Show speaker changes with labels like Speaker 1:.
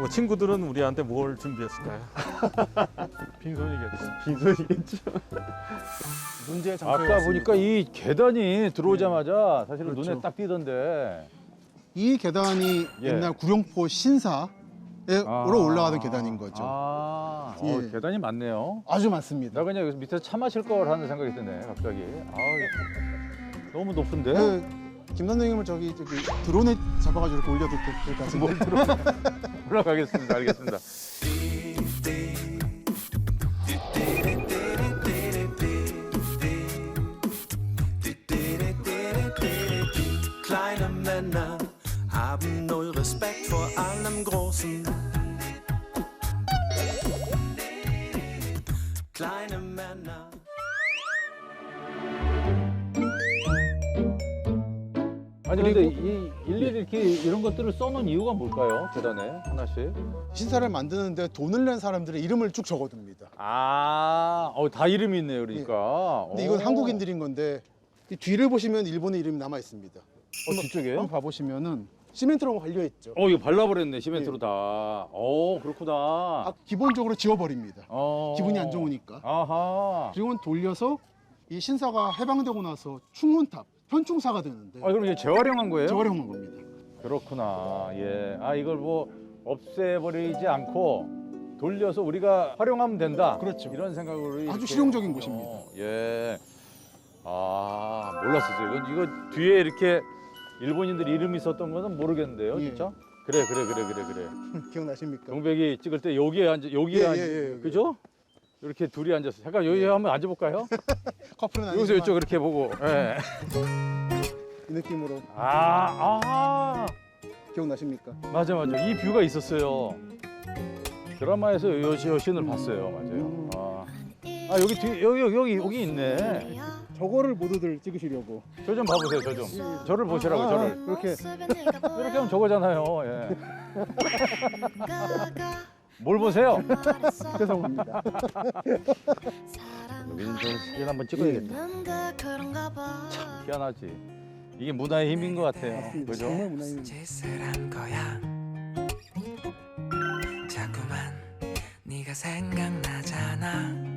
Speaker 1: 뭐 친구들은 우리한테 뭘 준비했을까요? 빈손이겠지.
Speaker 2: 빈손이겠죠.
Speaker 3: 문제의 장소에
Speaker 2: 아까
Speaker 3: 왔습니다.
Speaker 2: 보니까 이 계단이 들어오자마자 사실은
Speaker 3: 그렇죠.
Speaker 2: 눈에 딱 띄던데.
Speaker 3: 이 계단이
Speaker 2: 예.
Speaker 3: 옛날 구룡포 신사에
Speaker 2: 아.
Speaker 3: 올라가던 계단인 거죠.
Speaker 2: 아,
Speaker 3: 예.
Speaker 2: 계단이 많네요.
Speaker 3: 아주 많습니다.
Speaker 2: 나 그냥 여기서 밑에서 차 마실 걸 하는 생각이 드네, 갑자기. 너무 높은데?
Speaker 3: 김 선생님을 저기 드론에 잡아가지고 이렇게 올려도 될 것 같은데.
Speaker 2: 뭘 들어? 올라가겠습니다. 알겠습니다.
Speaker 4: Kleine Männer haben null Respekt vor allem Großen. Kleine Männer.
Speaker 2: 아니 근데 이 일일이 이렇게 이런 것들을 써놓은 이유가 뭘까요? 계단에 하나씩.
Speaker 3: 신사를 만드는데 돈을 낸 사람들의 이름을 쭉 적어둡니다.
Speaker 2: 다 이름이 있네요, 그러니까.
Speaker 3: 근데 이건 한국인들인 건데 이 뒤를 보시면 일본의 이름이 남아 있습니다.
Speaker 2: 뒤쪽에요?
Speaker 3: 한번 봐보시면은 시멘트로 발려 있죠.
Speaker 2: 이거 발라버렸네, 시멘트로 다. 그렇구나.
Speaker 3: 기본적으로 지워버립니다.
Speaker 2: 어.
Speaker 3: 기분이 안 좋으니까.
Speaker 2: 아하.
Speaker 3: 그리고 돌려서 이 신사가 해방되고 나서 충혼탑, 현충사가 되는데
Speaker 2: 그럼 이게 재활용한 거예요?
Speaker 3: 재활용한 겁니다.
Speaker 2: 그렇구나. 예. 이걸 뭐 없애버리지 않고 돌려서 우리가 활용하면 된다.
Speaker 3: 그렇죠.
Speaker 2: 이런 생각으로
Speaker 3: 아주
Speaker 2: 이렇게.
Speaker 3: 실용적인 곳입니다.
Speaker 2: 예. 몰랐었어요. 이거 뒤에 이렇게 일본인들 이름이 있었던 거는 모르겠는데요,
Speaker 3: 예.
Speaker 2: 진짜? 그래.
Speaker 3: 기억나십니까?
Speaker 2: 동백이 찍을 때 여기에
Speaker 3: 예.
Speaker 2: 그죠? 이렇게 둘이 앉았어. 잠깐 여기 한번 앉아볼까요?
Speaker 3: 커플은
Speaker 2: 여기서
Speaker 3: 아니지만
Speaker 2: 이쪽 이렇게 보고. 예.
Speaker 3: 이 느낌으로 기억나십니까?
Speaker 2: 맞아. 이 뷰가 있었어요. 드라마에서 여신을 봤어요. 맞아요. 여기 뒤 여기 있네.
Speaker 3: 저거를 모두들 찍으시려고
Speaker 2: 저 좀 봐보세요. 저 좀. 저를 보시라고 저를.
Speaker 3: 이렇게
Speaker 2: 이렇게 하면 저거잖아요. 예. 뭘 보세요?
Speaker 3: 죄송합니다.
Speaker 2: 여기는 저 사진 한번 찍어야겠다. 참 희한하지. 이게 문화의 힘인 것 같아요. 그죠?
Speaker 3: 정말 문화입니다.
Speaker 4: 짓을 한 거야. 자꾸만 네가 생각나잖아.